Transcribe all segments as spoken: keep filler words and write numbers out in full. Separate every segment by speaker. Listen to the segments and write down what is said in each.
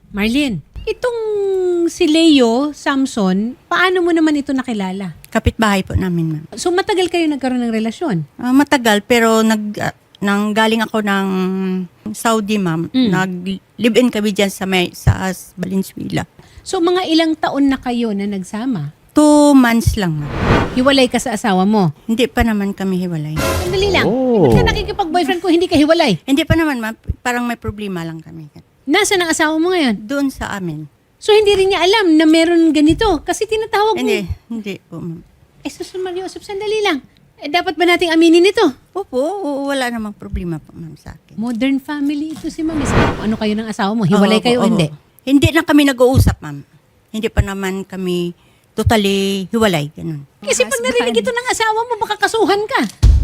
Speaker 1: Marlene, itong si Leo Samson, paano mo naman ito nakilala?
Speaker 2: Kapitbahay po namin, ma'am.
Speaker 1: So matagal kayo nagkaroon ng relasyon?
Speaker 2: Ah, matagal, pero nag, ah, nang galing ako ng Saudi, ma'am.
Speaker 1: Mm.
Speaker 2: Nag-live-in kami dyan sa, may, sa Valenzuela.
Speaker 1: So mga ilang taon na kayo na nagsama?
Speaker 2: Two months lang, ma'am.
Speaker 1: Hiwalay ka sa asawa mo?
Speaker 2: Hindi pa naman kami hiwalay.
Speaker 1: Sandali lang.
Speaker 3: Oh.
Speaker 1: Ba't ka nakikipag-boyfriend ko hindi ka hiwalay?
Speaker 2: Hindi pa naman, ma'am. Parang may problema lang kami.
Speaker 1: Nasaan ang asawa mo ngayon?
Speaker 2: Doon sa amin.
Speaker 1: So hindi rin niya alam na meron ganito kasi tinatawag mo.
Speaker 2: Hindi, hindi po, ma'am.
Speaker 1: Eh, Susun Mario Joseph, sandali lang. Eh, dapat ba nating aminin ito?
Speaker 2: Opo, oo, wala namang problema po, ma'am, sa akin.
Speaker 1: Modern family ito si Ma'am. Ano kayo ng asawa mo? Hiwalay
Speaker 2: Oo,
Speaker 1: kayo o
Speaker 2: oo.
Speaker 1: hindi?
Speaker 2: Hindi na kami nag-uusap, ma'am. Hindi pa naman kami totally hiwalay, ganun.
Speaker 1: Kasi pag narinig ito ng asawa mo, baka kasuhan ka.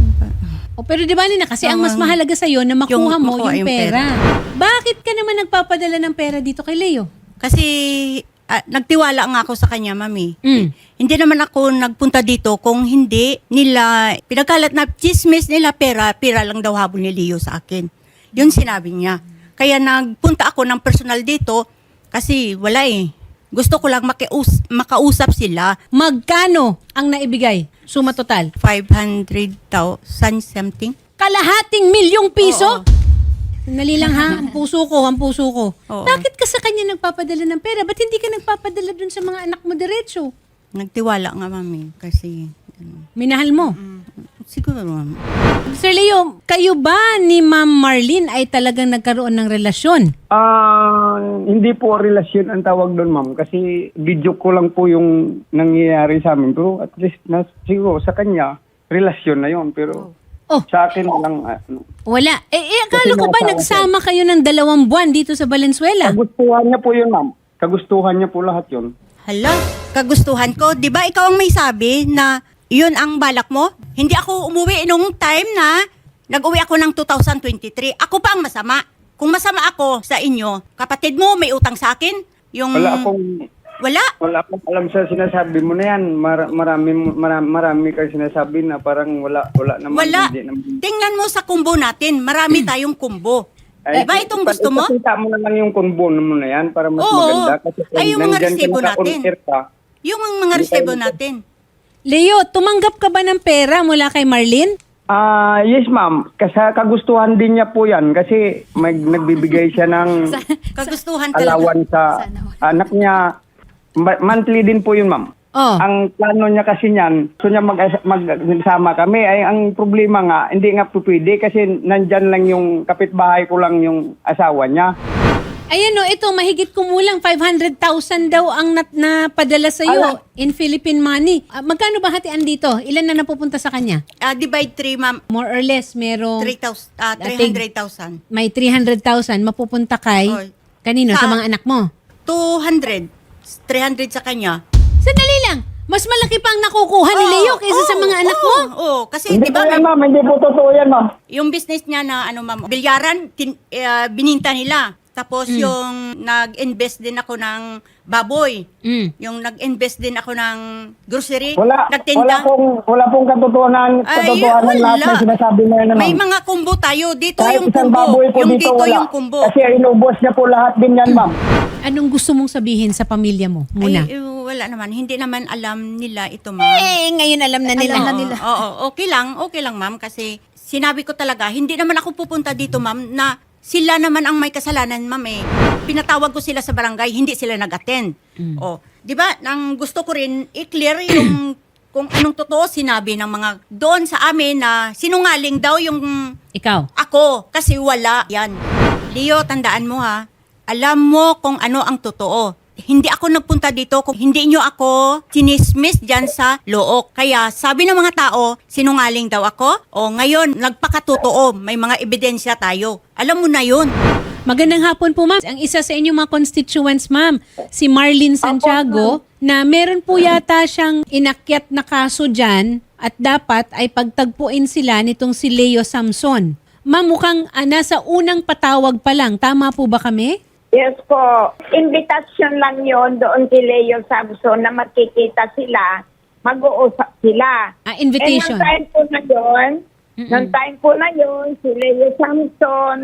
Speaker 1: O pero di ba Nina, kasi ang mas
Speaker 2: Um,
Speaker 1: mahalaga sa'yo na makuha
Speaker 2: yung
Speaker 1: mo
Speaker 2: makuha
Speaker 1: yung
Speaker 2: yung
Speaker 1: pera. Bakit ka naman nagpapadala ng pera dito kay Leo?
Speaker 2: Kasi ah, nagtiwala nga ako sa kanya, mami.
Speaker 1: Mm.
Speaker 2: Hindi naman ako nagpunta dito kung hindi nila, pinagkalat na chismis nila pera, pera lang daw habol ni Leo sa akin. Yun sinabi niya. Kaya nagpunta ako ng personal dito kasi wala eh. Gusto ko lang makius- makausap sila.
Speaker 1: Magkano ang naibigay? Suma total?
Speaker 2: five hundred thousand something.
Speaker 1: Kalahating milyong piso?
Speaker 2: Oo.
Speaker 1: Sandali lang ha, ang puso ko, ang puso ko.
Speaker 2: Oo.
Speaker 1: Bakit ka sa kanya nagpapadala ng pera? Ba't hindi ka nagpapadala dun sa mga anak mo diretso?
Speaker 2: Nagtiwala nga, mami. Kasi, ano,
Speaker 1: Minahal mo.
Speaker 2: siguro, mami.
Speaker 1: Sir Leo, kayo ba ni Ma'am Marlene ay talagang nagkaroon ng relasyon?
Speaker 3: Ah, hindi po relasyon ang tawag doon, ma'am. Kasi video ko lang po yung nangyayari sa amin. Pero at least, na, siguro sa kanya, relasyon na yon. Pero
Speaker 1: Oh,
Speaker 3: sa akin lang, ano,
Speaker 1: wala. Eh, eh akala
Speaker 3: Kasi
Speaker 1: ko ba
Speaker 3: nasa-
Speaker 1: nagsama kayo ng dalawang buwan dito sa Valenzuela?
Speaker 3: kagustuhan niya po yun, ma'am. Kagustuhan niya po lahat yun.
Speaker 2: Hala, kagustuhan ko. Di ba ikaw ang may sabi na yun ang balak mo? Hindi ako umuwi nung time na nag-uwi ako ng two thousand twenty-three. Ako pa ang masama. Kung masama ako sa inyo, kapatid mo may utang sa akin? Yung...
Speaker 3: Wala akong,
Speaker 2: Wala?
Speaker 3: wala akong alam sa sinasabi mo na yan. Mar- marami, marami, marami kang sinasabi na parang wala, wala naman.
Speaker 2: Wala.
Speaker 3: Hindi naman.
Speaker 2: Tingnan mo sa kumbo natin. Marami tayong kumbo.
Speaker 3: Ay,
Speaker 2: Di ba itong
Speaker 3: ipa-
Speaker 2: gusto mo?
Speaker 3: Ipakita mo na lang yung combo mo na yan para mas
Speaker 2: Oo.
Speaker 3: maganda. Kasi
Speaker 2: Ay, yung mga
Speaker 3: nandyan ka
Speaker 2: resibo natin.
Speaker 3: naka-convert ka.
Speaker 2: Yung mga resebo natin.
Speaker 1: Leo, tumanggap ka ba ng pera mula kay Marlene?
Speaker 3: Ah, yes ma'am. Kasi kagustuhan din niya po yan kasi may nagbibigay siya ng
Speaker 2: Kagustuhan talaga.
Speaker 3: alawan sa anak niya. Ma- monthly din po yun ma'am.
Speaker 1: Oh.
Speaker 3: Ang plano niya kasi niyan, gusto niya mag magsama kami. Ay, ang problema nga, hindi nga po pwede kasi nandyan lang yung kapitbahay ko lang yung asawa niya.
Speaker 1: Ayan o, ito, mahigit kumulang five hundred thousand daw ang nat napadala sa iyo in Philippine money. Ah, magkano ba hatian dito? Ilan na napupunta sa kanya?
Speaker 2: Ah, divide three, ma'am.
Speaker 1: More or less, merong
Speaker 2: three thousand, ah,
Speaker 1: Dating-
Speaker 2: three hundred thousand.
Speaker 1: may three hundred thousand mapupunta kay
Speaker 2: Oy.
Speaker 1: kanino? Sa
Speaker 2: Sa-
Speaker 1: mga anak mo?
Speaker 2: two hundred. three hundred sa kanya.
Speaker 1: Sandali lang. Mas malaki pa ang nakukuha ni
Speaker 2: Oo,
Speaker 1: Leo kaysa sa
Speaker 2: oo,
Speaker 1: mga anak
Speaker 2: oo,
Speaker 1: mo.
Speaker 2: Oo, kasi
Speaker 3: Hindi
Speaker 2: di
Speaker 3: po
Speaker 2: ba
Speaker 3: yan
Speaker 2: may-
Speaker 3: ma'am, hindi po totoo yan ma'am.
Speaker 2: yung business niya na ano ma'am, bilyaran, tin, eh, bininta nila. Tapos
Speaker 1: Mm.
Speaker 2: yung nag-invest din ako ng baboy.
Speaker 1: Mm.
Speaker 2: Yung nag-invest din ako ng grocery.
Speaker 3: Wala, wala
Speaker 2: Nagtinda.
Speaker 3: pong, wala pong katotohanan,
Speaker 2: Ay,
Speaker 3: katotohanan lahat
Speaker 2: wala.
Speaker 3: ng sinasabi mo yan
Speaker 2: May
Speaker 3: ma'am.
Speaker 2: mga kumbo tayo. Dito
Speaker 3: Kahit
Speaker 2: yung
Speaker 3: isang
Speaker 2: kumbo.
Speaker 3: baboy po
Speaker 2: Yung
Speaker 3: dito,
Speaker 2: dito
Speaker 3: wala.
Speaker 2: yung kumbo.
Speaker 3: Kasi inubos niya po lahat din yan ma'am.
Speaker 1: Anong gusto mong sabihin sa pamilya mo muna?
Speaker 2: Ay, eh, wala naman. Hindi naman alam nila ito, ma'am.
Speaker 1: eh, ngayon alam na nila.
Speaker 2: Oo, Oo, okay lang. Okay lang, ma'am. Kasi sinabi ko talaga, hindi naman ako pupunta dito, ma'am, na sila naman ang may kasalanan, ma'am eh. Pinatawag ko sila sa barangay, hindi sila nag-attend. Oh, 'di ba? Nang gusto ko rin i-clear yung kung anong totoo sinabi ng mga doon sa amin na sinungaling daw yung
Speaker 1: Ikaw.
Speaker 2: ako kasi wala yan. Leo, tandaan mo ha. Alam mo kung ano ang totoo. Hindi ako nagpunta dito kung hindi nyo ako sinismiss dyan sa look. Kaya sabi ng mga tao, sinungaling daw ako. O ngayon, nagpakatotoo. May mga ebidensya tayo. Alam mo na yun.
Speaker 1: Magandang hapon po, ma'am. Ang isa sa inyong mga constituents, ma'am, si Marlene Santiago, na meron po yata siyang inakyat na kaso dyan at dapat ay pagtagpuin sila nitong si Leo Samson. Ma'am, mukhang ah, nasa unang patawag pa lang. Tama po ba kami?
Speaker 4: Yes po. Invitation lang yon doon kay Leo Samson na magkikita sila, mag-uusap sila.
Speaker 1: Ah, invitation.
Speaker 4: Eh, nung time po na yun, nung time po na yun, si Leo Samson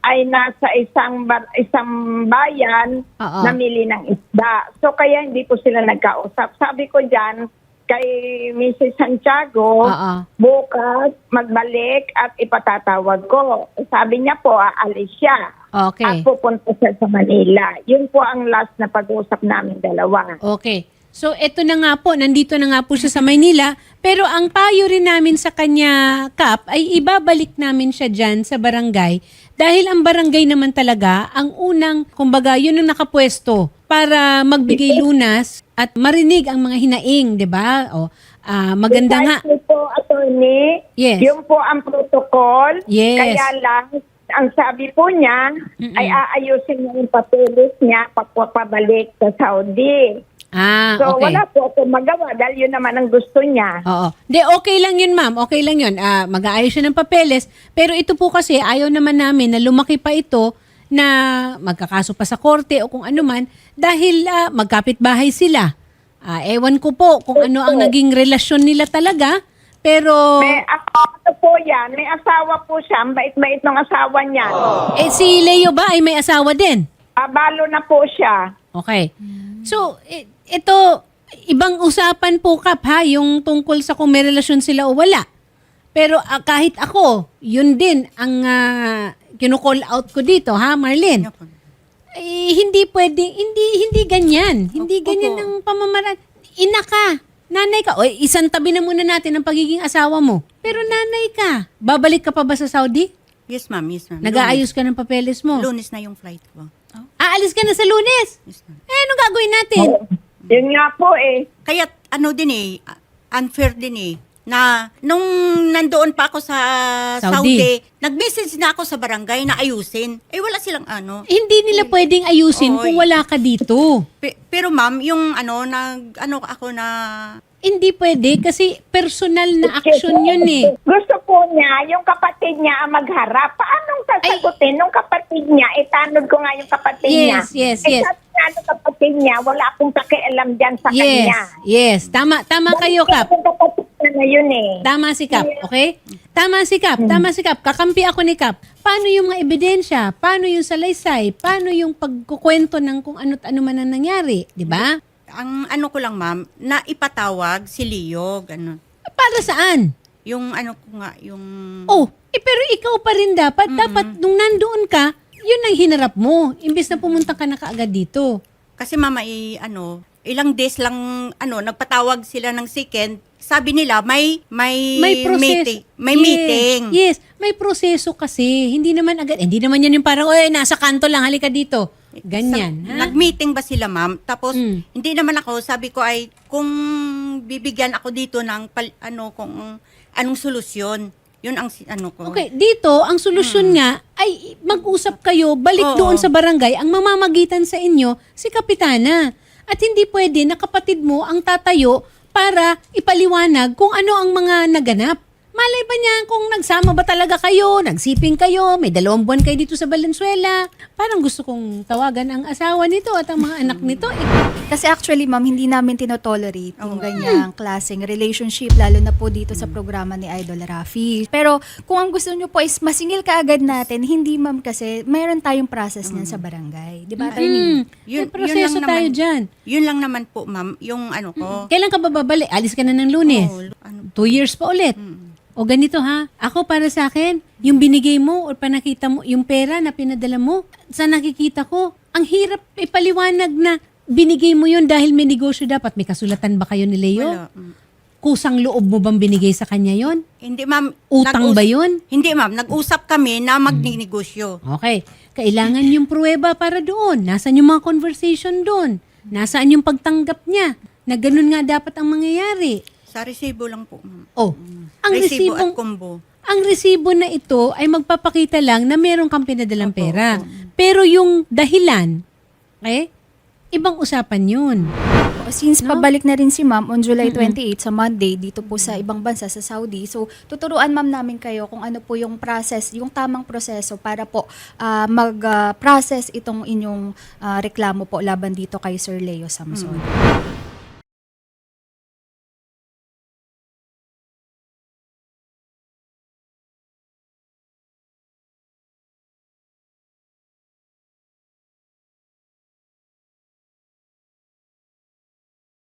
Speaker 4: ay nasa isang ba- isang bayan
Speaker 1: Oo.
Speaker 4: namili ng isda. So kaya hindi po sila nagkausap. Sabi ko diyan kay Missus Santiago,
Speaker 1: Oo.
Speaker 4: bukas magbalik at ipatatawag ko. Sabi niya po, aalis siya.
Speaker 1: Okay.
Speaker 4: At pupunta siya sa Manila. Yun po ang last na pag-usap namin dalawa.
Speaker 1: Okay. So, eto na nga po, nandito na nga po siya sa Maynila, pero ang payo rin namin sa kanya, Kap, ay ibabalik namin siya dyan sa barangay dahil ang barangay naman talaga ang unang, kumbaga, yun ang nakapwesto para magbigay lunas at marinig ang mga hinaing, di ba? O, ah, maganda nga.
Speaker 4: Precisely po, attorney.
Speaker 1: Yes.
Speaker 4: Yung po ang protocol.
Speaker 1: Yes.
Speaker 4: Kaya lang, ang sabi po niya,
Speaker 1: Mm-mm.
Speaker 4: ay aayusin niya yung papeles niya pagpapabalik sa Saudi.
Speaker 1: Ah,
Speaker 4: So,
Speaker 1: okay.
Speaker 4: wala po ako magawa dahil yun naman ang gusto niya.
Speaker 1: Oo. Di, okay lang yun, ma'am. Okay lang yun. Ah, mag-aayos siya ng papeles. Pero ito po kasi, ayaw naman namin na lumaki pa ito na magkakaso pa sa korte o kung ano man dahil ah, magkapit-bahay sila. Ah, ewan ko po kung ano ang naging relasyon nila talaga. Pero,
Speaker 4: May asawa po yan. May asawa po siya. Ang bait-bait ng asawa niya.
Speaker 1: eh, si Leo ba ay may asawa din?
Speaker 4: Abalo na po siya.
Speaker 1: Okay. So, i- ito, ibang usapan po, Kap, ha? Yung tungkol sa kung may relasyon sila o wala. Pero ah, kahit ako, yun din ang uh, kinu-call out ko dito, ha, Marlene?
Speaker 2: Opo.
Speaker 1: Eh, hindi pwedeng, hindi, hindi ganyan. Hindi
Speaker 2: Opo.
Speaker 1: ganyan ang pamamaraan. Ina ka, nanay ka. O, isang tabi na muna natin ang pagiging asawa mo. Pero nanay ka. Babalik ka pa ba sa Saudi?
Speaker 2: Yes, ma'am. Yes, ma'am.
Speaker 1: Nag-aayos ka ng papeles mo?
Speaker 2: Lunes na yung flight ko.
Speaker 1: Aalis ka na sa Lunes?
Speaker 2: Yes, ma'am.
Speaker 1: Eh, anong gagawin natin?
Speaker 4: Yun nga po eh.
Speaker 2: Kaya ano din eh, unfair din eh, na nung nandoon pa ako sa
Speaker 1: Saudi.
Speaker 2: Saudi, nag-message na ako sa barangay na ayusin. Eh wala silang ano.
Speaker 1: Hindi nila pwedeng ayusin
Speaker 2: Oy.
Speaker 1: kung wala ka dito.
Speaker 2: Pe- pero ma'am, yung ano, nag, ano ako na,
Speaker 1: Hindi pwede kasi personal na action yun eh.
Speaker 4: Gusto po niya, yung kapatid niya ang magharap. Paanong sasagutin nung kapatid niya? Itanod ko nga yung kapatid niya.
Speaker 1: Yes, yes,
Speaker 4: eh,
Speaker 1: yes.
Speaker 4: sabi nga nung kapatid niya, wala akong pakialam dyan sa
Speaker 1: Yes,
Speaker 4: kanya.
Speaker 1: yes. Tama, tama kayo, Kap.
Speaker 4: Yung kapatid niya na yun eh.
Speaker 1: Tama si Kap, okay? Tama si Kap, tama si Kap. Kakampi ako ni Kap. Paano yung mga ebidensya? Paano yung salaysay? Paano yung pagkukwento ng kung ano't ano man ang nangyari? Di ba?
Speaker 2: ang ano ko lang ma'am, na ipatawag si Leo, gano'n.
Speaker 1: Para saan?
Speaker 2: Yung ano ko nga, yung...
Speaker 1: Oh, eh, pero ikaw pa rin dapat. Dapat nung nandoon ka, yun ang hinarap mo. Imbes na pumunta ka na kaagad dito.
Speaker 2: Kasi mama, eh, ano, ilang days lang, ano, nagpatawag sila ng second. Sabi nila, may, may,
Speaker 1: May proseso.
Speaker 2: meeting. May
Speaker 1: Yes,
Speaker 2: meeting.
Speaker 1: Yes, may proseso kasi. Hindi naman agad, hindi naman yan yung parang, oy, nasa kanto lang, halika dito. Ganyan.
Speaker 2: Sa-
Speaker 1: ha?
Speaker 2: Nag-meeting ba sila, ma'am? Tapos,
Speaker 1: Mm.
Speaker 2: hindi naman ako, sabi ko ay, kung bibigyan ako dito ng, pal- ano, kung anong solusyon. Yun ang, si- ano ko.
Speaker 1: Okay, dito, ang solusyon nga ay mag-usap kayo, balik
Speaker 2: Oo.
Speaker 1: doon sa barangay, ang mamamagitan sa inyo, si Kapitana. At hindi pwede na kapatid mo ang tatayo para ipaliwanag kung ano ang mga naganap. Malay ba niya kung nagsama ba talaga kayo, nagsiping kayo, may dalawang buwan kayo dito sa Valenzuela. Parang gusto kong tawagan ang asawa nito at ang mga anak nito. Eh,
Speaker 5: Kasi actually, ma'am, hindi namin tinotolerate yung ganyang klaseng relationship, lalo na po dito sa programa ni Idol Rafi. Pero kung ang gusto nyo po is masingil ka agad natin, hindi ma'am kasi mayroon tayong process niyan sa barangay. Di ba, attorney?
Speaker 1: mm, may proseso tayo dyan.
Speaker 2: Yun lang naman po, ma'am, yung ano ko.
Speaker 1: Kailan ka ba babalik? Alis ka na ng Lunes.
Speaker 2: Oo, ano,
Speaker 1: Two years pa ulit. O ganito ha, ako para sa akin, yung binigay mo o panakita mo, yung pera na pinadala mo, sa nakikita ko, ang hirap ipaliwanag na binigay mo yun dahil may negosyo dapat. May kasulatan ba kayo ni Leo?
Speaker 2: wala. Mm.
Speaker 1: Kusang loob mo bang binigay sa kanya yon?
Speaker 2: Hindi, ma'am.
Speaker 1: Utang ba yun?
Speaker 2: Hindi, ma'am. Nag-usap kami na magninegosyo.
Speaker 1: Okay. Kailangan yung pruweba para doon. Nasaan yung mga conversation doon? Nasaan yung pagtanggap niya? Na ganun nga dapat ang mangyayari.
Speaker 2: Sa resibo lang po, ma'am.
Speaker 1: Oh, ang
Speaker 2: Resibo
Speaker 1: resibong,
Speaker 2: at combo.
Speaker 1: ang resibo na ito ay magpapakita lang na meron kang pinadalang pera. Pero yung dahilan, eh, ibang usapan yun.
Speaker 5: Since pabalik na rin si ma'am on July twenty-eighth sa Monday dito po sa ibang bansa sa Saudi. So tuturuan ma'am namin kayo kung ano po yung process, yung tamang proseso para po ah, mag-process itong inyong ah, reklamo po laban dito kay Sir Leo Samson.